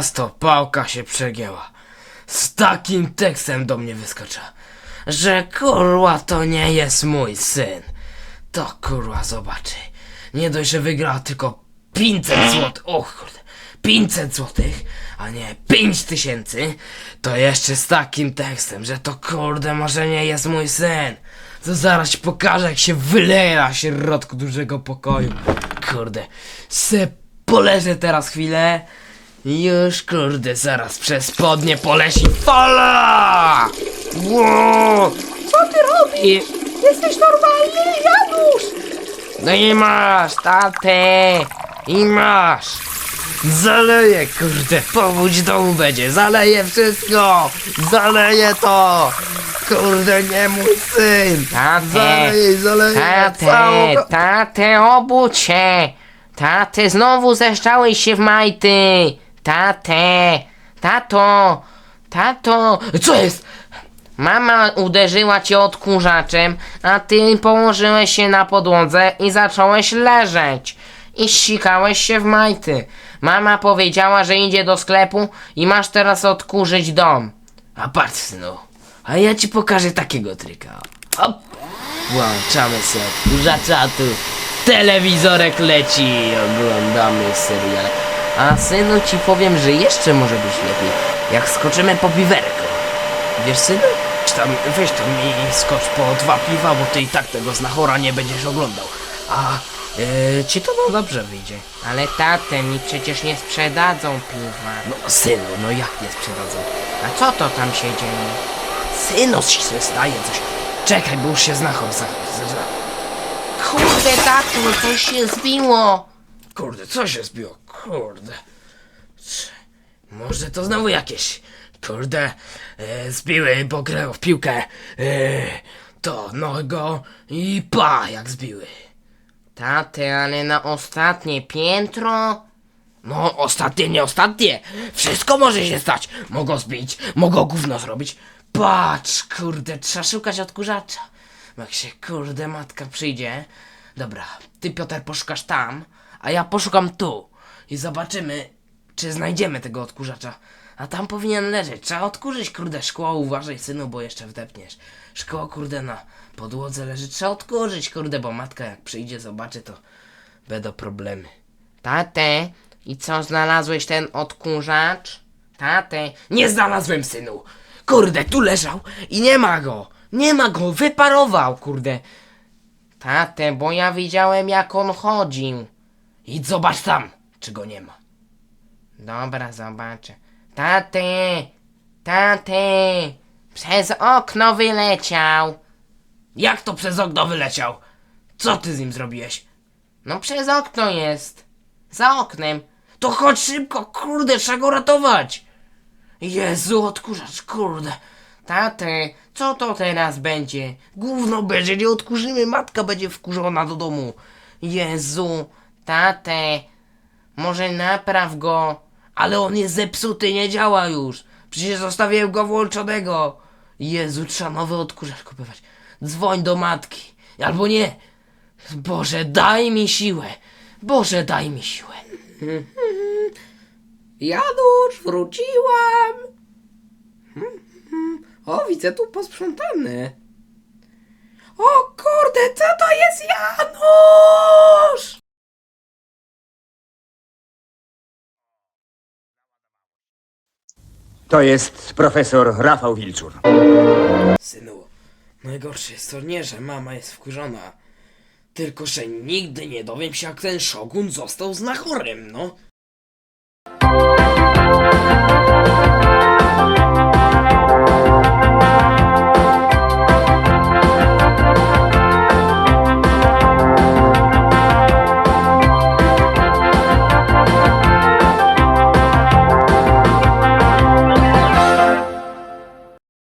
Teraz to pałka się przegięła. Z takim tekstem do mnie wyskoczyła, że kurwa to nie jest mój syn. To kurwa zobaczy. Nie dość, że wygrała tylko 500 zł. Och kurde. 500 złotych, a nie 5000, to jeszcze z takim tekstem, że to kurde może nie jest mój syn. To zaraz ci pokażę, jak się wyleje na środku dużego pokoju. Kurde, se poleżę teraz chwilę i już kurde zaraz przez spodnie poleci fala! Wow! Co ty robisz? Jesteś normalny, Janusz! No i masz, tatę! I masz! Zaleję, kurde, powódź domu będzie, zaleję wszystko! Zaleję to! Kurde, nie mój syn! Zaleję całą... Tatę, obudź się! Tatę, znowu zeszczałeś się w majty! Tato! Co jest? Mama uderzyła cię odkurzaczem, a ty położyłeś się na podłodze i zacząłeś leżeć. I ścikałeś się w majty. Mama powiedziała, że idzie do sklepu i masz teraz odkurzyć dom. A patrz, synu, a ja ci pokażę takiego tryka. Hop! Włączamy sobie odkurzacza, tu telewizorek leci i oglądamy serial. A synu ci powiem, że jeszcze może być lepiej, jak skoczymy po piwerko. Wiesz, synu? Czy tam, weź tam i skocz po 2 piwa, bo ty i tak tego znachora nie będziesz oglądał. A ci to no dobrze wyjdzie. Ale tatę, mi przecież nie sprzedadzą piwa. No synu, no jak nie sprzedadzą? A co to tam się dzieje? Synu ci się staje coś. Czekaj, bo już się znachor Kurde, tato, coś się zbiło. Kurde, co się zbiło? Kurde. Może to znowu jakieś. Kurde, zbiły, bo grają w piłkę. To nogo i pa, jak zbiły. Taty, ale na ostatnie piętro? No, ostatnie, nie ostatnie. Wszystko może się stać. Mogą zbić, mogą gówno zrobić. Patrz, kurde, trzeba szukać odkurzacza. Jak się, kurde, matka przyjdzie. Dobra, ty, Piotr, poszukasz tam, a ja poszukam tu. I zobaczymy, czy znajdziemy tego odkurzacza. A tam powinien leżeć. Trzeba odkurzyć, kurde, szkło. Uważaj, synu, bo jeszcze wdepniesz. Szkło, kurde, na podłodze leży. Trzeba odkurzyć, kurde, bo matka jak przyjdzie, zobaczy, to będą problemy. Tatę, i co, znalazłeś ten odkurzacz? Tatę, Nie znalazłem, synu! Kurde, tu leżał i nie ma go! Nie ma go, wyparował, kurde! tatę, bo ja widziałem jak on chodził. Idź zobacz tam, czy go nie ma. Dobra, zobaczę. Tatę, przez okno wyleciał. Jak to przez okno wyleciał? Co ty z nim zrobiłeś? No przez okno jest. Za oknem. To chodź szybko, kurde, trzeba go ratować! Jezu, odkurzacz, kurde! Tatę, co to teraz będzie? Gówno będzie, nie odkurzymy, matka będzie wkurzona do domu. Jezu, tatę, może napraw go. Ale on jest zepsuty, nie działa już. Przecież zostawiłem go włączonego. Jezu, trzeba nowy odkurzacz kupować. Dzwoń do matki. Albo nie. Boże, daj mi siłę. Boże, daj mi siłę. Janusz, wróciłam! O, widzę tu posprzątane. O kurde, co to jest Janusz? To jest profesor Rafał Wilczur. Synu, najgorsze jest to nie, że mama jest wkurzona. Tylko, że nigdy nie dowiem się, jak ten szogun został znachorem, no.